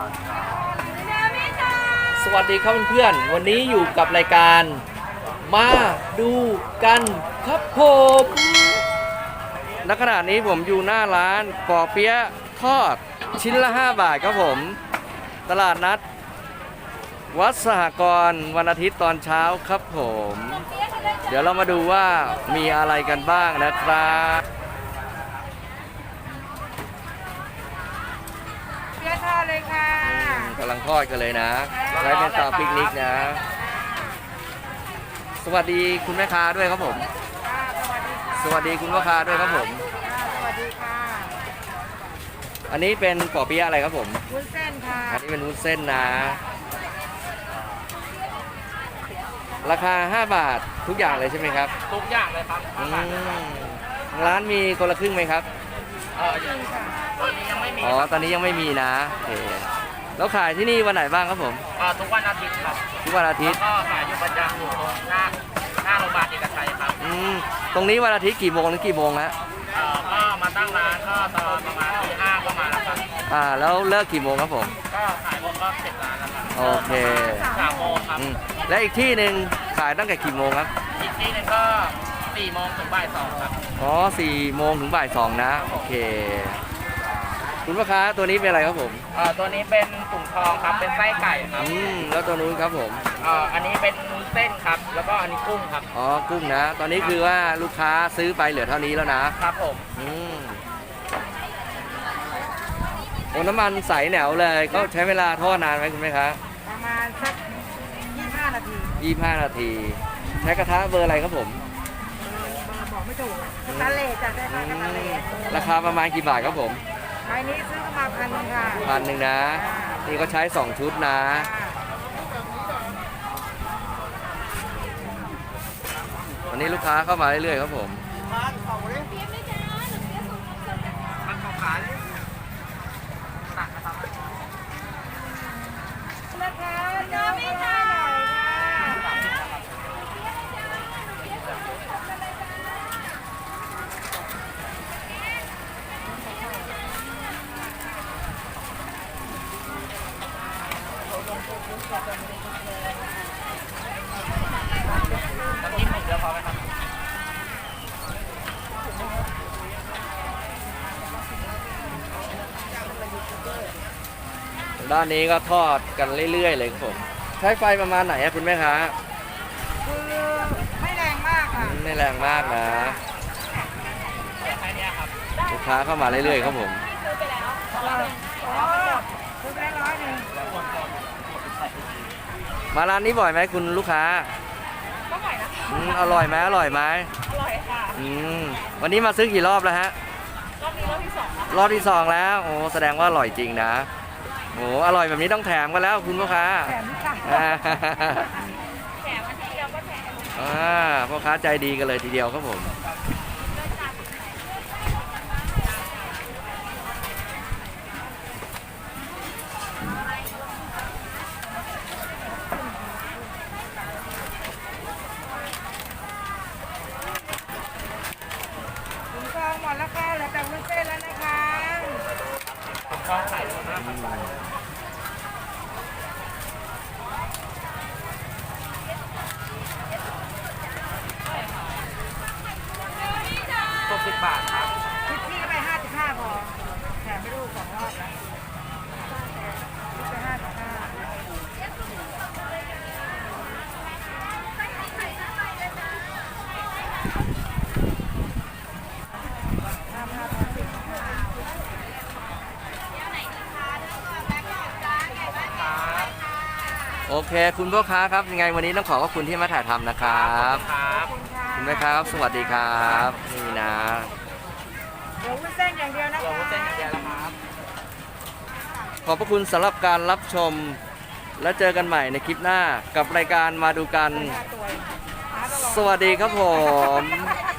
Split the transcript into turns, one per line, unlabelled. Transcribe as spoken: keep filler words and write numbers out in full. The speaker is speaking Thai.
สวัสดีครับเพื่อนๆวันนี้อยู่กับรายการมาดูกันครับผมณขณะนี้ผมอยู่หน้าร้านปอเปี๊ยะทอดชิ้นละห้าบาทครับผมตลาดนัดวัดสหกรณ์วันอาทิตย์ตอนเช้าครับผมเดี๋ยวเรามาดูว่ามีอะไรกันบ้างนะครับ
เปี๊ยะทอดเลยค่ะ
กำลังทอดกันเลยนะใช้เป็นเตาปิกนิกนะสวัสดีคุณแม่ค้าด้วยครับผมสวัสดีคุณพ่อค้าด้วยครับผม
สวัสดีค่ะ
อันนี้เป็นปอเปี๊ยะอะไรครับผม
วุ้นเส้นค่ะ
อันนี้เป็นวุ้นเส้นนะราคาห้าบาททุกอย่างเลยใช่ไหมครับ
ทุกอย่างเลยครับ
ร้านมีคนละครึ่งไหมครับ
เออยังค่ะตอนนี้ยังไม่มี
อ๋อตอนนี้ยังไม่มีนะโอเคแล้วขายที่นี่วันไหนบ้างครับผม
เออทุกวันอาทิตย์ครับ
ทุกวันอาทิตย์
ก็ขายอยู่ประจำอยู่ตรงหน้าหน้าโรงพยาบาลเอกชัยครับ
อืมตรงนี้วันอาทิตย์กี่โมงถึงกี่โมงฮะ
เออก็มาตั้งร้านก็ตอนประมาณตีห้าก็มาแล้วครับ
อ่าแล้วเลิกกี่โมงครับผม
ก็ขายหมดก็เสร็จร้านแล้วครับ
โอเค
สามโมงครับ
และอีกที่หนึ่งขายตั้งแต่กี่โมงครับ
อีกที่หนึ่งก็สี่โมงถึงบ่ายสองครับ
อ๋อสี่โมงถึงบ่ายสองนะโอเคคุณพ่อค้าตัวนี้เป็นอะไรครับผม
เอ่อตัวนี้เป็นถุงทองครับเป็นไส้ไก่ครับ
อืมแล้วตัวนู้นครับผม
เอ่ออันนี้เป็นเส้นครับแล้วก็อันนี้กุ้งครับ
อ๋อกุ้งนะตอนนี้คือว่าลูกค้าซื้อไปเหลือเท่านี้แล้วนะครับ
ผม
อืมโอ้น้ำมันใสแหนวเลยก็ใช้เวลาทอดนานไหมคุณแม่ค้า
ประมาณสักยี่สิบห้านาที
ยี่สิบห้านาทีใช้กระทะเบอร์อะไรครับผม
บอกไม่ถูกสแตนเลสจะได้ไหมสแตนเลส
ราคาประมาณกี่บาทครับผม
ใบนี้ซื้อมาพันนึงค่ะ
พันหนึ่งนะนี่ก็ใช้สองชุดนะวันนี้ลูกค้าเข้ามาเรื่อยๆครับผม
น้ำจิ้มหนึ่งเดียวพอไหมครับ
ด้านนี้ก็ทอดกันเรื่อยๆเลยครับผมใช้ไฟประมาณไหนอะคุณแม่ค้า
คือไม่แรงมากค่ะ
ไม่แรงมากนะลูกค้าเข้ามาเรื่อยๆครับผมมาร้านนี้บ่อยไหมคุณลูกค้า
ก็บ่อยนะ
อืมอร่อยไหมอร่อยไหม
อร่อยค่ะ
อืมวันนี้มาซื้อกี่รอบแล้วฮะ
รอบนี้รอบที่สอง
รอบที่สองแล้วโอ้แสดงว่าอร่อยจริงนะโอ้อร่อยแบบนี้ต้องแถมกันแล้วคุณลูกค้า
แถมค่ะแถมอันเดียวก็แถม
อ่าพ่อค้าใจดีกันเลยทีเดียวครับผม
หมดแล้วค่ะเหลือแต่วุ้นเส้นแล้วนะคะ
ผมชอบไข่มากหกสิบบาทครับ
คิดพี่ก็ไปห้าสิบห้าพอแถมไม่รู้สองรอบแล้วไปห้าสิบห้า
โอเคคุณพ่อค้าครับยังไงวันนี้ต้องขอขอบคุณที่มาถ่ายทำนะครับคุณแม่ครับสวัสดีครับนี่นะ
เดี๋ยววุ้นเส้นอย่างเดียวนะคะ
เดี๋ยววุ้นเส้นอย่างเดียวนะครับ
ขอบพระคุณสำหรับการรับชมและเจอกันใหม่ในคลิปหน้ากับรายการมาดูกันสวัสดีครับผม